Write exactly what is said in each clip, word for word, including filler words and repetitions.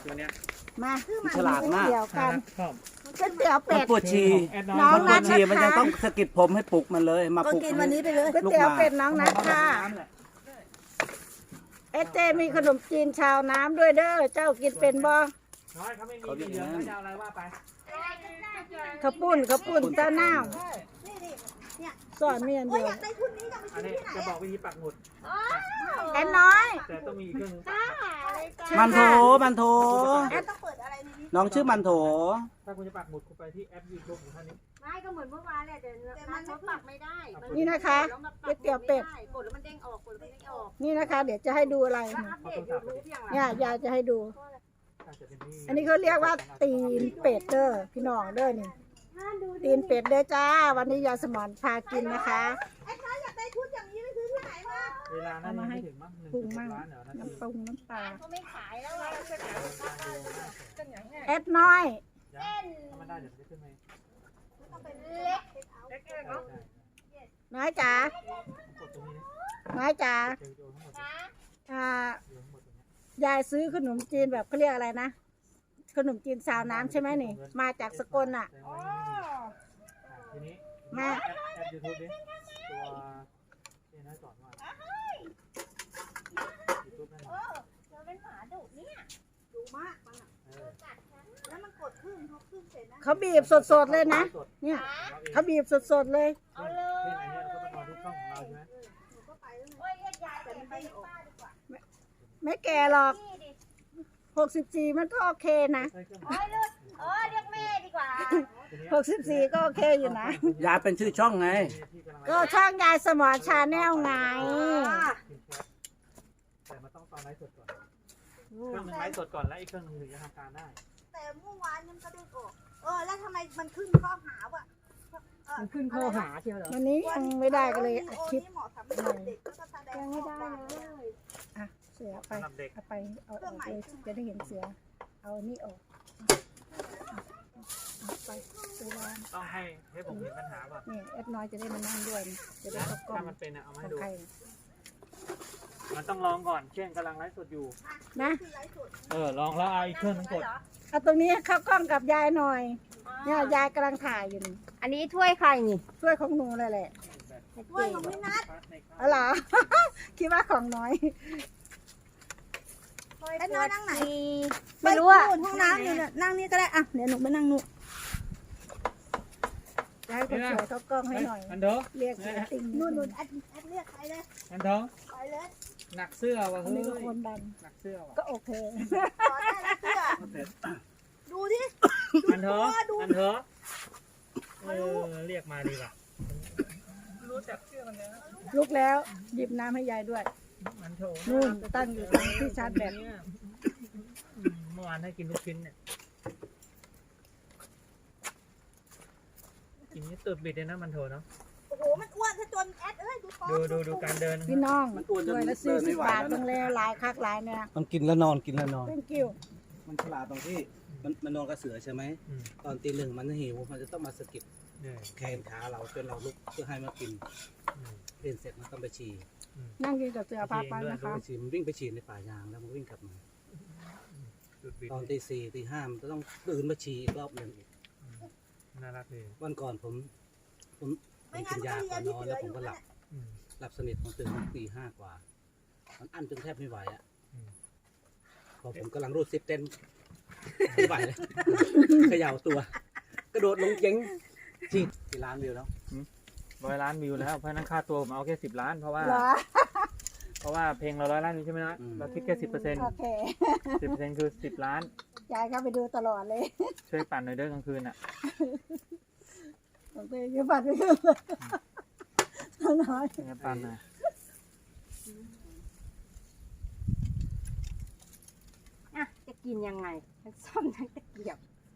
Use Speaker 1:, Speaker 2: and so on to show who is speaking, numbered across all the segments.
Speaker 1: ตัวเนี้ย
Speaker 2: มา
Speaker 3: ฉลาดมาก
Speaker 2: เดี๋ยวกัน
Speaker 1: ชอบ
Speaker 2: ก๋วยเตี๋ยว
Speaker 3: มั
Speaker 2: เป็
Speaker 3: น
Speaker 2: ด
Speaker 3: ปวดฉี่
Speaker 2: น้อง
Speaker 3: มันป
Speaker 2: นั
Speaker 3: ว
Speaker 2: ด
Speaker 3: ด
Speaker 2: นะ
Speaker 3: ฉี่มันจะ
Speaker 2: คะ
Speaker 3: ต้องสะกิดผมให้ปลุกมันเลย มา
Speaker 4: ก็
Speaker 3: ปลุก
Speaker 4: กินวันนี้ไปเลย
Speaker 2: ก๋วยเตี๋ยวเป็ดน้องนัดค่ะเอสเจมีขนมจีนชาวน้ำด้วยเด้อเจ้ากินเป็นบ่
Speaker 1: น้อยเขาไม่มีเหลืองเขาจะเอาอะไรว่าไป
Speaker 2: ข้าวปุ้นข้าวปุ้นเจ้าหน้า
Speaker 4: นี่นี่เนี่ย
Speaker 2: สอนเมียน
Speaker 4: โอ้
Speaker 2: เดี
Speaker 4: ย
Speaker 2: ย
Speaker 4: อ
Speaker 2: วย
Speaker 4: ากได้ชุดนี้จะไป
Speaker 1: อัน
Speaker 4: ซื้อ
Speaker 1: นี้
Speaker 4: ที่ไหน
Speaker 1: จะบอก
Speaker 4: อะ
Speaker 1: วิธีปักหมุด
Speaker 2: แอนน้อย
Speaker 1: แต่ต้องมีเครื่อง
Speaker 3: มันโถมันโถ
Speaker 4: แอดต้องเปิดอะไรในนี้
Speaker 3: น้องชื่อมันโถ
Speaker 1: ถ้าคุณจะปักหมุดคุณไปที่แอปยูทูบของท่านนี้
Speaker 5: ไม่ก็เหมือนเมื่อวานแหละแต่มันเขาปักไม่ได้
Speaker 2: นี่นะคะก๋วยเตี๋ยวเป็ด
Speaker 5: กดแล้วมันเด้งออกกดแล้วมันเด้งออก
Speaker 2: นี่นะคะ เดี๋ยวจะให้ดูอะไร
Speaker 5: แล้วอัปเดตยูทูบอย่างไร
Speaker 2: เนี่ยยายจะให้ดู
Speaker 1: อาจจะเป็นที่
Speaker 2: อันนี้เขาเรียกว่าตีนเป็ดเด้อพี่น้องเด้อนี่ตีนเป็ดเด้อจ้า วันนี้ยายสมอนพากินนะคะ
Speaker 4: ไอ้น้อยอยากได้ชุดอย่างนี้ไปซื้อที่ไหนมา
Speaker 1: เวลานั้นยังไม่ถึงมั้งหนึ่ง
Speaker 2: ปรุง
Speaker 1: จุด
Speaker 2: มั่ง
Speaker 1: ล้านเหรอนะ
Speaker 2: น้ำปรุงน้ำปลา
Speaker 5: เขาไม่ขายแล้วเราจะขาย
Speaker 2: แอดน้อย
Speaker 1: ถ้ามันได้เดี๋ยวมันจะขึ้นไหม
Speaker 5: เล็ก
Speaker 1: เล็กๆเนาะ
Speaker 2: น้อยจ๋าก
Speaker 1: ดตรงนี้
Speaker 2: น้อยจ๋า
Speaker 1: เจอวิดีโอทั้งหมด
Speaker 5: นะ
Speaker 2: อ่า
Speaker 1: วิดีโอทั้งหมดตรงนี้
Speaker 2: ยายซื้อขนมจีนแบบเขาเรียกอะไรนะ ขนมจีนสาวน้ำใช่ไหมนี่ มาจากสกลน่ะ
Speaker 1: แสดงว่ายังไม่มีอ่ะทีนี้
Speaker 2: มา
Speaker 1: แอปแอปยูทูบดิตัวเอ็นน้อยสอนว่ายูทูบนั่น
Speaker 5: เออเธอเป็นหมาดุเนี่ย
Speaker 4: ดูมากมันอะ
Speaker 1: เออ
Speaker 4: แล้วมันกดขึ้นเขาขึ้นเสร็จนะ
Speaker 2: เขาบีบสดๆเลยนะ เนี่ยเขาบีบสดๆเลย
Speaker 5: เอาเลย
Speaker 1: ซึ่งอันเนี้ยเราก็ต้องรอที่ช่องของเราใช่ไหม
Speaker 4: หนูก็ไปแล้วไง
Speaker 5: โอ้ยเรียกยายแต่มันไปป้าดีกว่า
Speaker 2: ไม่แก่หรอก
Speaker 5: นี่ดิ
Speaker 2: หกสิบสี่มันก็โอเคนะ
Speaker 1: ใช่เครื่อง
Speaker 5: โอ้ยเลือดโอ้ยเรียกแม่ดีกว่า
Speaker 1: ทีเนี้ย
Speaker 2: หกสิบสี่ก็โอเคอยู่นะ
Speaker 3: ยายเป็นชื่อช่องไง
Speaker 1: ที่กำลัง
Speaker 2: ก็ช่างยายสมอชาแนลไง
Speaker 1: กินแชทแต่มันต้องตอนไลฟ์สดก่อนเครื่องหนึงไลฟ์สดก่อนแล้วอีกเครื่องหนึงถึงจะทำการได้
Speaker 4: แต่เมื่อวานยังกระเด้งออกเออแล้วทำไมมันขึ้นข้อหาว่ะเออ
Speaker 6: มันขึ้นข้อหาใช่ไหมเหรอ
Speaker 2: วันนี้ยังไม่ได้ก็เลยอัด
Speaker 4: โอ้
Speaker 2: คลิป
Speaker 4: นี่เหมาะสำหรับเด็กก็จะแสดง
Speaker 2: ยังไม่ได้
Speaker 4: ข้อความ
Speaker 2: เลยอ่ะเสือไป
Speaker 1: สำหรับเด็ก
Speaker 2: เอาไปเอาออกเลยจะได้เห็นเสือ เอาอันนี้ออกเอาไปเสือวาง
Speaker 1: ต้องให้ให้ผมเห็นปัญหาก่อน
Speaker 2: นี่แอดน้อยจะได้มานั่งด้วยนะจะได้เข้ากล้อ
Speaker 1: ถ้าง มันเป็นอะเอามา
Speaker 2: ข
Speaker 1: ให้
Speaker 2: อง
Speaker 1: ดู
Speaker 2: ใคร
Speaker 1: มันต้องลองก่อนเช่นกำลังไลฟ์สดอยู่
Speaker 2: นะ
Speaker 4: คือไลฟ์สด
Speaker 1: เออลองแล้วเอาอีกเครื่องหนึงกด
Speaker 2: เอาตรงนี้เข้ากล้องกับยายหน่อย เนี่ยยายกำลังถ่ายอยู่นี่
Speaker 5: อันนี้ถ้วยใครนี่
Speaker 2: ช่วยของหนูเลยแหละ
Speaker 4: ด้วยของพี่นัท
Speaker 2: อ๋อเหรอ คิดว่าของน้อย
Speaker 4: ไอ้น้อยนั่งไหน
Speaker 5: ไม่รู้อะ
Speaker 4: ปนู่นห้องน้ำอยู่เนี่ยนั่งนี่ก็ได้อ่ะเดี๋ยวหนูไปนั่งนู่น
Speaker 2: ยายคนสวยเข้ากล้องให้หน่อย
Speaker 1: อันเถอะ
Speaker 2: เรียกเสียติ่ง
Speaker 4: นู่
Speaker 2: นู่
Speaker 4: น
Speaker 2: น
Speaker 4: นู่นแอดแอดเรียกใครเลย
Speaker 1: อันเถอะ
Speaker 4: ไปเลย
Speaker 1: หนักเสื้อว่ะ
Speaker 2: อัน
Speaker 1: เฮ้
Speaker 2: นี้
Speaker 1: ย
Speaker 2: ก็คนดัน
Speaker 1: หนักเสื้อว่ะ
Speaker 2: ก็โอเค
Speaker 4: ขอได้แล้วเสื้อดูดิ
Speaker 1: อันเถอะอันเถอะเออเรียกมาดีกว่ารู้จักเสื้อมันแล้ว
Speaker 2: ลุกแล้วหยิบน้ำให้ยายด้วย
Speaker 1: อันโถ
Speaker 2: นู่นตั้งอยู่ตรงที่ชาร์จแบต
Speaker 1: เนี่ยเมื่อวานให้กินลูกชิ้นเนี่ยกินนี่ตุดบิดเลยนะมันโถเนาะ
Speaker 4: โอ้โหมันอ้วนซะจนแอดเอ้ยดูท้อง
Speaker 1: ดูดูดูการเดินนะ
Speaker 2: พี่น้อง
Speaker 3: มันอ้วนจน
Speaker 2: ด้วยละ
Speaker 3: เดิ
Speaker 2: สี่
Speaker 3: นไม่
Speaker 2: สิบ
Speaker 3: ไหว
Speaker 2: บาท
Speaker 3: แล้วนะ
Speaker 2: ตรงเลยหลายคักหลายเนี่ย
Speaker 3: มันกินแล้วนอนกินแล้วนอน
Speaker 2: thank you
Speaker 3: มันฉลาดตรงที่มันมันนอนกับเสือใช่ไหม
Speaker 1: อืม
Speaker 3: ตอนตีหนึ่งมันหิวมันจะต้องมาสะกิด
Speaker 1: เนี่ย
Speaker 3: แขนขาเราจนเราลุกเพื่อให้มากิน
Speaker 1: อืม
Speaker 3: เล่นเสร็จมันต้องไปฉี่
Speaker 2: นั่งกินกับเสือพาไปนะคะ
Speaker 3: ไปฉี่มันวิ่งไปฉี่ในป่ายางแล้วมันวิ่งกลับมา
Speaker 1: ตุดบิด
Speaker 3: ตอนตีสี่ตีห้ามันจะต้องตื่นมาฉี่อีกรอบหนึ่งอีก
Speaker 1: น่ารักดี
Speaker 3: วันก่อนผมผมผ
Speaker 4: ไม่
Speaker 3: ม
Speaker 4: งั้
Speaker 3: กิ
Speaker 4: น
Speaker 3: น
Speaker 4: ก็
Speaker 3: ยา
Speaker 4: เรี
Speaker 3: ก่
Speaker 4: ย
Speaker 3: อน น
Speaker 4: ที่
Speaker 3: นอน
Speaker 4: เสื
Speaker 3: แล้
Speaker 4: อ
Speaker 3: ว
Speaker 4: อ
Speaker 3: ผม
Speaker 4: ยู่
Speaker 3: ก็ห
Speaker 4: นั่
Speaker 3: ลั
Speaker 4: น
Speaker 3: บ
Speaker 4: แหละ
Speaker 1: อืม
Speaker 3: หลับสนิทผมตื่นตีห้ากว่า มันอั้นจนแทบไม่ไหวอ่ะ
Speaker 1: อืม
Speaker 3: พอผมกำลังรูดซิปเต้นไม่ไหวเลยเขย่าตัว กระโดดลงเจ๊งจีดกี่ล้านวิวแล้ว
Speaker 1: ร้อยล้านวิวแล้วเพราะฉะนั้นค่าตัวผมเอาแค่สิบล้านเพราะว่า
Speaker 2: เหรอ
Speaker 1: เพราะว่าเพลงเราร้อยล้านวิวใช่ไหมนะเราคิดแค่สิบเปอร์เซ็นต์
Speaker 2: โอเค
Speaker 1: สิบเปอร์เซ็นต์คือสิบล้าน
Speaker 2: ยายเข้าไปดูตลอดเลย
Speaker 1: ช่วยปั่นหน่อยเด้อกลางคืนอ่ะ
Speaker 2: โอเคเดี๋ยวปัดไปขึ้นเลยน้อย
Speaker 1: ช่วยกันปั่นหน่อย
Speaker 5: อ่ะจะกินยังไงทั้งซ่อมทั้งตะเกียบ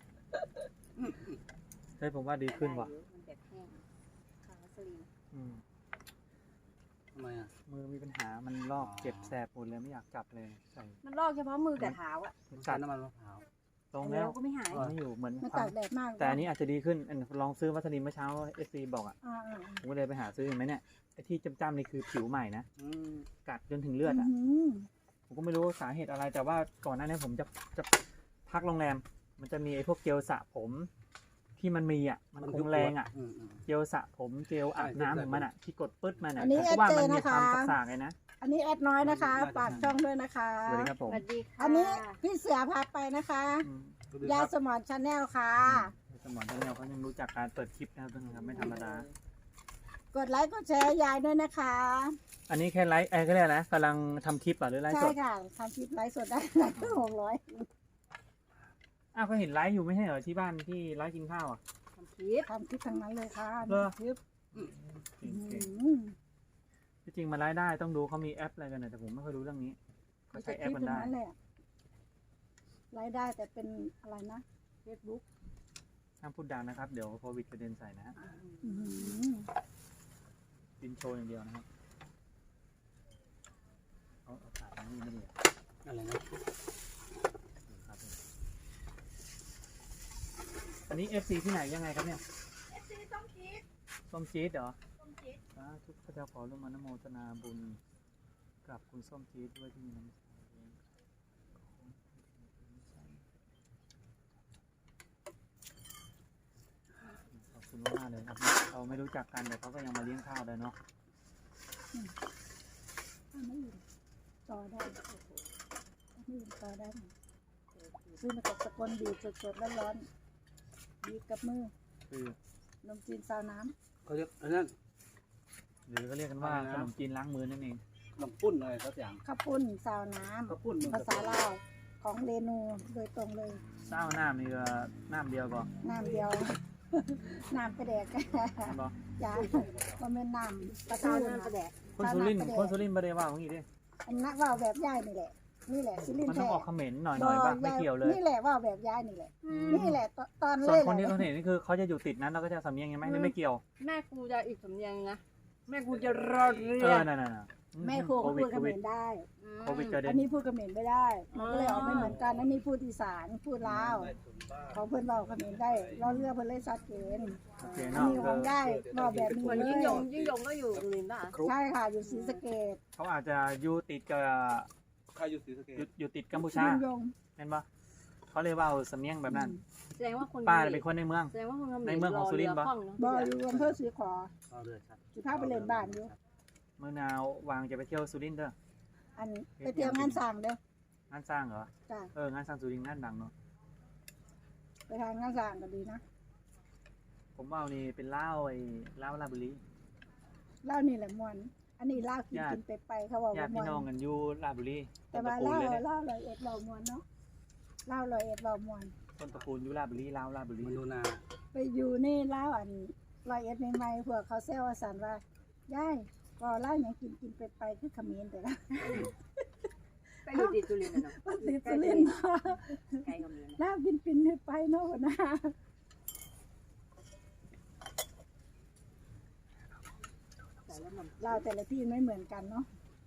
Speaker 1: เฮ้ยผมว่าดีขึ้นว่ะ
Speaker 5: มันแบบแห้งคาราสลีน
Speaker 1: อืม
Speaker 3: ทำไมอ่ะ
Speaker 1: มือมีปัญหามันลอกเจ็บแสบปวดเลยไม่อยากจับเลยใส่
Speaker 5: มันลอกเฉพาะมือกับเท้าอะ
Speaker 3: มัน
Speaker 1: กั
Speaker 3: กั
Speaker 1: ด
Speaker 3: ดน้ำมันมะพร้าว
Speaker 1: ตรง
Speaker 5: แล้
Speaker 1: แล้ว ว
Speaker 5: ก็ไม่หาย
Speaker 1: ไม่อยู่เหมือน
Speaker 2: มันตากแดดมาก
Speaker 1: แต่อันนี้อาจจะดีขึ้นอันลองซื้อวัสลินเมื่อเช้าเอสซีบอกอ่ะ
Speaker 2: อ่า
Speaker 1: ผมก็เลยไปหาซื้อเห็นไหมเนี่ยไอ้ที่จ้ำๆนี่คือผิวใหม่นะ
Speaker 3: อืม
Speaker 1: กัดจนถึงเลือดอ่ะ
Speaker 2: อืม
Speaker 1: ผมก็ไม่รู้สาเหตุอะไรแต่ว่าก่อนหน้านี้ผมจะจะพักโรงแรม มันจะมีไอ้พวกเจลสระผมที่มันมีอ่ะมันคงแรงอ่ะ
Speaker 3: อืมอืม
Speaker 1: เจลสระผมเจลอาบน้ำของมันอ่ะที่กดปึ๊ดมันอ่ะ
Speaker 2: อันนี้
Speaker 1: เพราะว่ามันมี
Speaker 2: แอดเจนะคะ
Speaker 1: ความสากๆเลยนะ
Speaker 2: อันนี้แอดน้อยนะคะฝากช่องด้วยนะคะ
Speaker 1: สวัสดีครับผม
Speaker 5: สวัสดีค่ะ
Speaker 2: อันนี้พี่เสือพาไปนะคะ
Speaker 1: อืม
Speaker 2: ยาสมอนชาแนลค่ะ
Speaker 1: สมองท่านเนี่ยเขายังรู้จักการเปิดคลิปนะครับทุกคนครับไม่ธรรมดา
Speaker 2: กดไลค์กดแชร์ยายด้วยนะคะ
Speaker 1: อันนี้แค่ไลฟ์ไอ้ก็เรียกอะไรนะกำลังทำคลิปอ่ะหรือไลฟ์
Speaker 2: ใช่
Speaker 1: สด
Speaker 2: ค่ะทำคลิปไลฟ์สดได้หลายหกร้อย
Speaker 1: อ้าวก็เห็นไลฟ์อยู่ไม่ใช่เหรอที่บ้านที่ไลฟ์กินข้าวอ่ะ
Speaker 5: ทำคลิป
Speaker 2: ทำคลิปทั้งนั้นเลยค่ะ
Speaker 1: เหรอ
Speaker 2: คลิป
Speaker 1: จริง
Speaker 2: อืม
Speaker 1: ๆที่จริงมาไลฟ์ได้ต้องดูเขามีแอปอะไรกันนะแต่ผมไม่ค่อยรู้เรื่องนี้เขาใช้แอป
Speaker 2: คลิป
Speaker 1: มัน
Speaker 2: ทั้ง
Speaker 1: ได้
Speaker 2: นั้นแหละรายได้แต่เป็นอะไรนะเฟซบุ๊ก
Speaker 1: ห้ามพูดดังนะครับเดี๋ยวโควิดกระเด็นใส่นะฮะ
Speaker 2: อืม
Speaker 1: กินโชว์อย่างเดียวนะครับเอาเอาขาดนี่ไม่ดีอ่ะ
Speaker 3: อะไรนะ
Speaker 1: ครับอันนี้ เอฟ ซี ที่ไหนยังไงครับเนี่ย
Speaker 4: เอฟซีต้องคิด
Speaker 1: ส้มจี๊ดเหรอ
Speaker 4: ต้องคิด
Speaker 1: สาธุพระเจ้าขอร่วมอนุโมทนาบุญกับคุณส้มจี๊ดด้วยที่มีน้ำใจขอบคุณมากเลยครับเราไม่รู้จักกันแต่เขาก็ยังมาเลี้ยงข้าวได้เนาะ
Speaker 2: อันนี้ต่อได้อันนี้ต่อได้ซื้อมาจากสกลบีบสดๆร้อนๆบีบกับมือ
Speaker 1: คือ
Speaker 2: นมจีนซาวน้
Speaker 3: เขาเรียกอันนั้น
Speaker 1: หรือก็เรียกกันว่าขนมจีนล้างมือนั่นเอง
Speaker 3: ขนมปุ้นอะไรสักอย่าง
Speaker 2: ำข้าวปุ้นซาวน้
Speaker 3: ข้าวปุ้นมัน
Speaker 2: ำภาษาลาวของเรนูโดยตรงเลย
Speaker 1: เศร้าน้ำนี่ก็น้ำเดียวก็
Speaker 2: น้ำเดียว น้ำไปแดก
Speaker 1: บอ
Speaker 2: จ้าก็เป็นน้ำประ
Speaker 5: ข้า
Speaker 2: ตู
Speaker 5: วน้ำกระแดก
Speaker 1: คนสุรินทร์คนสุรินทร์บริวารของอีดิ
Speaker 2: อันนั้นว่าแบบย่ายนี่แหละ นี่แหละซิลิน
Speaker 1: มัน
Speaker 2: แท้
Speaker 1: ต้องออกเขมรหน่อยหน่อยบ้างไม่เกี่ยวเลย
Speaker 2: นี่แหละว่าแบบย่ายนี่แหละ นี่แหละตตอน
Speaker 1: ส่
Speaker 2: เล
Speaker 1: วน
Speaker 2: ย
Speaker 1: คนที่
Speaker 2: แห
Speaker 1: เขา
Speaker 2: ละ
Speaker 1: เห็นนี่คือเขาจะอยู่ติดนั้นเราก็จะสำเนียงยังไหมนี่ไม่เกี่ยว
Speaker 5: แม่กูจะอีกสำเนียงนะ แม่กูจะรอเรื
Speaker 1: เอ
Speaker 5: อ
Speaker 1: อนั่นน่ะ
Speaker 2: แม่ครูเขาพูดเขมรได้
Speaker 1: โควิดกระเด็
Speaker 2: อั
Speaker 1: น
Speaker 2: นนี้พูดเขมรไม่ได้มันก็เลยออกไม่เหมือนกัน อันนี้พูดอีสาน พูดลาว ของเพื่อนเราเขมรได้เราเลือกเพื่อนเลยชัดเจน
Speaker 1: โอเค
Speaker 2: อัน
Speaker 1: เนาะ
Speaker 2: นี้ของได้บอกแบบนี้
Speaker 5: เหมือน
Speaker 2: เล
Speaker 5: ยิ่ง
Speaker 2: ย
Speaker 5: ยงยิ่งยงก็อยู่สุรินทร์ป่ะ
Speaker 2: ใช่ค่ะ อยู่ศรีสะเกษ
Speaker 1: เขาอาจจะอยู่ติดกับ
Speaker 3: ใครอยู่ศรีสะเก
Speaker 1: อยู่
Speaker 3: ษ
Speaker 1: อยู่ติดกัมพูชา
Speaker 2: ยิ่งยง
Speaker 1: เห็นปะเขาเลยว่าเอาสำเนียงแบบนั้น
Speaker 5: แสดงว่าคน
Speaker 1: ป้าเป็นคนในเมือง
Speaker 5: แสดงว่าคนเขมร
Speaker 1: ในเมืองของสุรินทร์ปะ
Speaker 5: อเรือคล่องเนอะ
Speaker 2: บอยอยู่อำเภอศรีขอ
Speaker 3: เอาเลยครับ
Speaker 2: สิพาไปเล่นบ้านอยู่
Speaker 1: เมื่อนาววางจะไปเที่ยวสุรินทร์เด้อ
Speaker 2: อันไปเที่ยวงานสั่งเด้อง
Speaker 1: านสร้างเหรอ
Speaker 2: จ้ะ
Speaker 1: เอองานสร้างสุรินทร์งานดังเนาะ
Speaker 2: ไปทางงานสั่งก็ดีนะ
Speaker 1: ผมว่านี่เป็นเหล้าไอ้เหล้าลาชบุรี
Speaker 2: เหล้านี่แหละมวนอันนี้เหล้ากิน
Speaker 1: ญาติ
Speaker 2: กินไปไปเขาบอก
Speaker 1: ญา
Speaker 2: ว่า
Speaker 1: ติ
Speaker 2: มว
Speaker 1: พี่
Speaker 2: น
Speaker 1: น้องกันอยู่ลาชบุรี
Speaker 2: แต่
Speaker 1: ต้นต
Speaker 2: ว่า
Speaker 1: ระกู
Speaker 2: เหล้า
Speaker 1: ลเลยเนี่ย
Speaker 2: เหล้าลอยเอ็ดเรามวนเนาะเหล้าลอยเอ็ดเรามวน
Speaker 1: ต้นตระกูลอยู่ลาชบุรีเหล้าลาชบุรี
Speaker 3: มนูนา
Speaker 2: ไปอยู่นี่เหล้าอันลอยเอ็ดใหม่ๆพวกเขาแซวว่าสันว่าย่ายก็เหล้าอย่างกินกินไปไปคือเขมิ้นแต่ละ
Speaker 5: ไปอยู่ติดสุรินทร์น่ะเนาะ
Speaker 2: มันติดสุรินทร์เนาะ
Speaker 5: ไกลเขมรนะ
Speaker 2: เหล้ากินปินไปเนาะหัวหนะ
Speaker 5: แต่แล้วมัน
Speaker 2: เหล้าแต่ละที่ไม่เหมือนกันเนาะ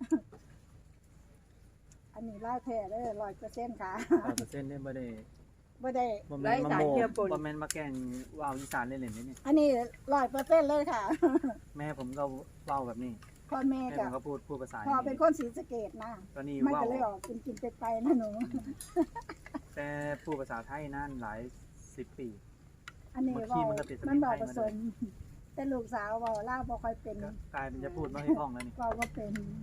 Speaker 2: อันนี้เหล้าแท้เด้อร้อยเปอร์เซ็นต์ค่ะ
Speaker 1: ร้อยเปอร์เซ็นต์เนี่ยบ่ได้
Speaker 2: ไม่ได้
Speaker 1: บ่แม่นมาโมบ่แม่นมาแกล้งว่าวอีสานเล่นๆนี่
Speaker 2: อันนี้ร้อยเปอร์เซ็นต์เลยค่ะ
Speaker 1: แม่ผมก็เว้าแบบนี้
Speaker 2: พ่อแม่
Speaker 1: แม่ผ
Speaker 2: กับ
Speaker 1: มก็พูดพูดภาษา
Speaker 2: พ่อเป็นคนศรีสะเกษนะ
Speaker 1: ตอนนี้
Speaker 2: มัน
Speaker 1: เว้า
Speaker 2: ก็เลยออกกินกินไปไปนะหนู
Speaker 1: แต่พูดภาษาไทยนั่นหลายสิบปี
Speaker 2: อันนี้
Speaker 1: บางที
Speaker 2: เว่า
Speaker 1: มันก็ติดสำเนียง
Speaker 2: มันบอก
Speaker 1: ไทย
Speaker 2: ผ
Speaker 1: มา
Speaker 2: ส
Speaker 1: ด้วย
Speaker 2: ม แต่ลูกสาวเว่าเล่าบ่ค่อยเป็น
Speaker 1: ก็กลายเป็นจะพูดไม่ให้คล่องแล้วนี่
Speaker 2: เว่าว่าเป็น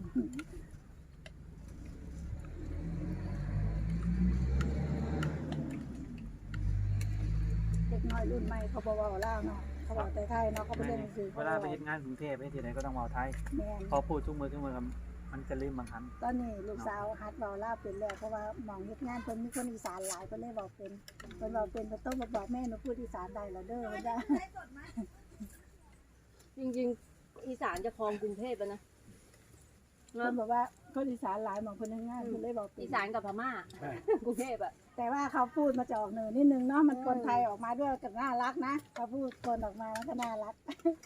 Speaker 2: เด็กน้อยรุ่นใหม่เขาบอกว่าเล่าเนาะเขาบอกแต่ไทยเนาะเขาไปเรียนหนังสือ
Speaker 1: เวลาไปเฮ็ดงานกรุงเทพไปที่ไหนก็ต้องเว้าไทย
Speaker 2: แม่น
Speaker 1: พอพูดทุกมือทุกมือครับมันจะลืมบางครั้ง
Speaker 2: ตอนนี้ลูกสาวฮัดเว้าเล่าเป็นแล้วเพราะว่าหมองเฮ็ดงานเพิ่นมีคนอีสานหลายเพิ่นเลยเว้าเป็นเพิ่นเว้าเป็นเพิ่นต้องมาบอกแม่หนูพูดอีสานได้แล้วเด้อเพิ่นว่า
Speaker 4: ไลฟ์สดไหม
Speaker 5: จริงๆ อีสานจะครองกรุงเทพแล้วนะ
Speaker 2: เพิ่นบอกว่าคนอีสานหลายหมองเพิ่นทำงานเพิ่นเลยเว้าเป็น
Speaker 5: อีสานกับพม่า
Speaker 3: ใช่
Speaker 5: กรุงเทพอะ
Speaker 2: แต่ว่าเขาพูดมาจะออกเหนือนิดนึงเนาะมันคนไทยออกมาด้วยก็น่ารักนะเขาพูดคนออกมามันก็น่ารัก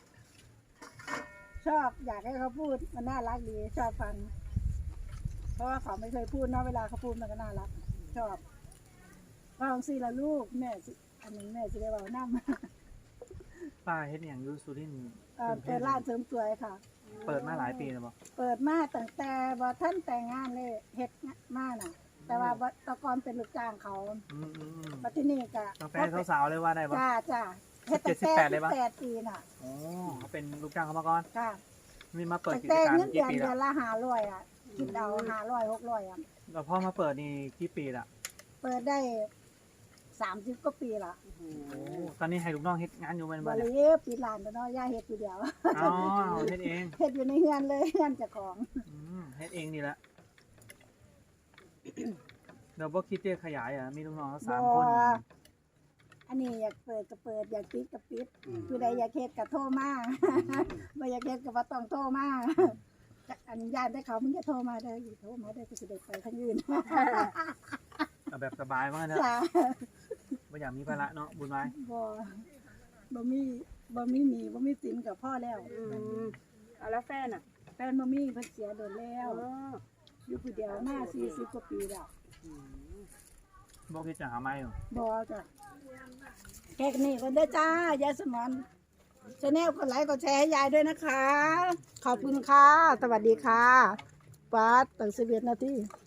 Speaker 2: ชอบอยากให้เขาพูดมันน่ารักดีชอบฟัง เพราะว่าเขาไม่เคยพูดเนาะเวลาเขาพูดมันก็น่ารัก ชอบว่าของสิละลูกแม่สิอันนี้แม่สิได้บอกน้ำ
Speaker 1: ป้าเฮ็ดอย่างอยูสุรินทร์
Speaker 2: เอ่อเปิดร้านเสริมสวยค่ะ
Speaker 1: เปิดมาหลายปีแล้วบ่
Speaker 2: เปิดมาตั้งแต่บ่ท่านแต่งงานเลยเฮ็ดมาน่ะแต่ว่าแตะกอนเป็นลูกจ้างเขา
Speaker 1: อืมอืมอืม
Speaker 2: ปัจจุบันก็
Speaker 1: ตั้งแต่สาวๆเลยว่าได้ปะ
Speaker 2: จ้าจ้าเฮ็ดตั้ง
Speaker 1: สิบเจ็ดสิบแปดเลยปะ
Speaker 2: แปดปีน่ะ
Speaker 1: โอ้เขาเป็นลูกจ้างเขามาก่อน
Speaker 2: ค่ะ
Speaker 1: มีมาเปิด
Speaker 2: ตั้ง
Speaker 1: กิจ
Speaker 2: แต่
Speaker 1: การ
Speaker 2: เงิน
Speaker 1: กี่
Speaker 2: เดือน
Speaker 1: ปี
Speaker 2: เดื
Speaker 1: แล้
Speaker 2: อ
Speaker 1: วน
Speaker 2: ละห้าร้อยอ่ะคิดเอาห้าร้อยหกร้อยอ่ะ
Speaker 1: แล้วพ่อมาเปิดนี่กี่ปีละ
Speaker 2: เปิดได้สามสิบกว่าปีละ
Speaker 1: โอ้ตอนนี้ให้ลูกน้องเฮ็ดงานอยู่เป็น
Speaker 2: บ
Speaker 1: บ้าน
Speaker 2: ริ
Speaker 1: เนี่ย
Speaker 2: เวณปีหลานแต่น้อยย่าเฮ็ดอยู่เดียว
Speaker 1: อ๋อเฮ็ดเอง
Speaker 2: เฮ็ดอยู่ในเฮือนเลยเฮือนเจ้าของ
Speaker 1: อืมเฮ็ดเองนี่แหละเดี๋ยวบ่คิดจะขยายอ่ะมีลูกน้องสามคน
Speaker 2: บ่อันนี้อยากเปิดก็เปิดอยากปิดก็ปิดผู้ใดอยากเฮ็ดก็โทรมา บ่อยากเฮ็ดก็บ่ต้องโทรมาอนุญาตได้เขามึงจะโทรมาได้อโทรมาได้ก็สิได้ไปทางอื่น
Speaker 1: เอาแบบสบายมากนะ
Speaker 2: จ้า
Speaker 1: ไม่อยากมีภาระเนาะบุญไม้
Speaker 2: บ่บ่มีบ่มีหนี้บ่มีสินกับพ่อแล้ว
Speaker 5: อืมเอาแล้วแฟนอ่ะ
Speaker 2: แฟนบ่มีเพิ่นเสียโดนแล้ว
Speaker 5: อ๋อ
Speaker 2: อยู่ผู้เดียวมาสี่สิบกว่าปีแล้ว
Speaker 5: อืม
Speaker 1: บอกคิดจะหาไม้อยู่
Speaker 2: บ่จ้ะแค่นี้ก็ได้จ้ายายสมอนชาแนลกดไลค์กดแชร์ให้ยายด้วยนะคะ ขอบคุณค่ะ สวัสดีค่ะปัดตั้งสิบเอ็ดนาที